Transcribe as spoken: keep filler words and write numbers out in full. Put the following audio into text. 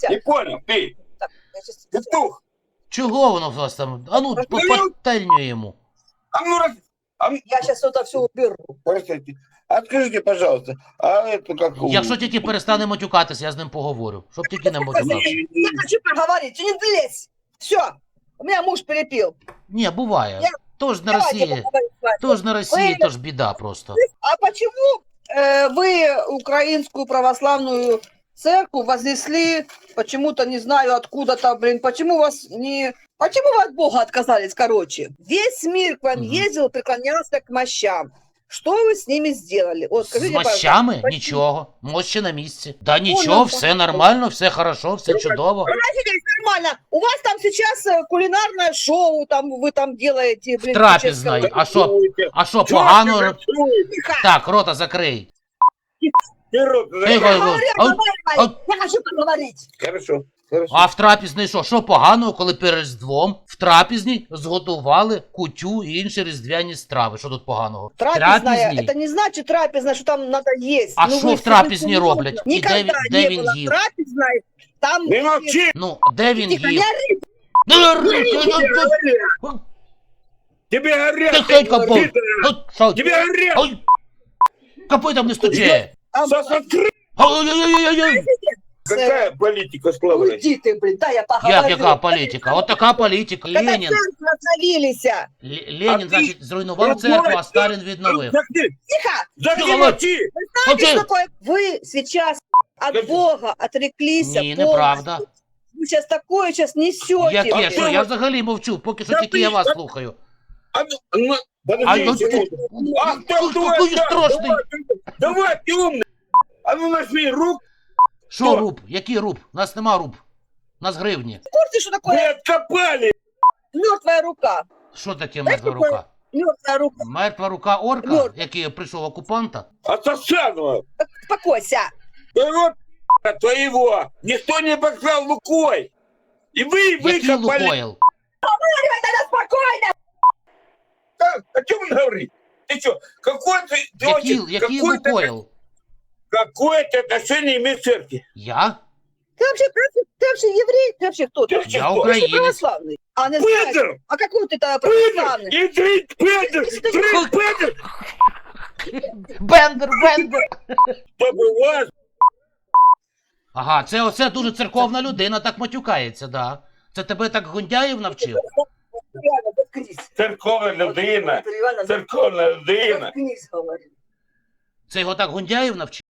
Не понял, ты. Так, я сейчас... Петух. Чого воно у вас там? А ну, по пательню йому. А ну, раз... а ну, Я сейчас это все уберу. простите. А скажите, пожалуйста, а это как... у- Якщо тільки перестане матюкатися, я з ним поговорю. Щоб тільки не матюкався. Я хочу поговорить, ты не лезь. Все, у меня муж перепил. Ні, буває. Я- Тож на Давайте Росії, поговорим с вами. тож на Росії, Ви- тож біда просто. А почему э, вы украинскую православную церковь вознесли почему-то, не знаю откуда-то, блин, почему вас не... Почему вы от Бога отказались, короче? Весь мир к вам Мгм. ездил, преклонялся к мощам. Что вы с ними сделали? Вот, З скажите, мощами? пожалуйста, Нічого. Мощі на місці. Да ну, нічого, все нормально, все хорошо, все чудово. нормально. У вас там сейчас э, кулинарное шоу, там вы там делаете, блин, Трапезное. чеченское- А що? А що, Чё погано? ты танцуешь? Тихо. Так, рота закрий. Ты рот Тихо, закрой. Я говорю, а- разговаривай. Я хочу поговорить. Хорошо, хорошо. А в трапізній що? Що поганого, коли перед Різдвом в трапізній зготували кутю і інші різдвяні страви? Що тут поганого? В Трапезная, трапізній? это не значит трапезная, что там надо есть. А Ну, що вы в трапезні серьезно? роблять? І де він- Никогда де не він было їв? трапезной, там... Не молчи! Ну, де він Тихо, їв? не ори. Ну, ри- Тебе ну, ну, говорят! Тебе говорят! Тихенько ты будь. пидор! Ну, що? Тебе говорят! Ой, копитом не стучи. А, Сос откры! Ой-ой-ой-ой-ой. Какая политика слова? Уйди ты, блин, да, я поговорю. Як яка політика? От така політика. Когда Ленін. церкви остановились. Л- Ленін, А значить, ти- зруйнував церкву, а Сталін відновив. Закрой! Тихо! Закрой! Тихо, молчи! Знаете, Окей. что такое? Вы сейчас от Скажи. Бога отреклись. Ні, полностью. неправда. Вы сейчас такое сейчас несете. Яке? А Що? ти- Я взагалі мовчу, поки що Да тільки я ти- вас слухаю. А ну, ну, А подожди ну секунду. А кто ти твой такий отец? страшний. Давай, ты- Давай, ты умный! А ну нажми руку! Що Що? руб? Який руб? У нас нема руб. У нас гривні. В курсе, что Мы такое откопали! мертвая рука? Що таке Знаєш, мертва таке? рука? Мертвая рука. Мертва рука орка, Мертва. який прийшов окупанта? От Сосанова! Успокойся. Да вот твоего! Никто не поклал Лукой! И вы Який выкопали! Лукойл? Тогда спокойно. А, о чем он говорит? Ты что, какой ты... Який, Тётя, який какое-то- Лукойл? Какое-то отношение имеет к церкви? Я? Ты вообще, ты, ты вообще еврей? Ты вообще кто? Ты Я вообще Я кто? Ты украинец. православный. А не знаешь? Петр! А какой ты тогда Петр! православный? И ты, Петр! Ты, Петр! Бендер, бендер! Чтобы вас... Ага, це оце дуже церковна людина, так матюкається, да. Це тебе так Гундяєв навчив? Реально, заткнись. Церковная людина! Реально, Церковная людина! заткнись, говорю. Це його так Гундяєв навчив?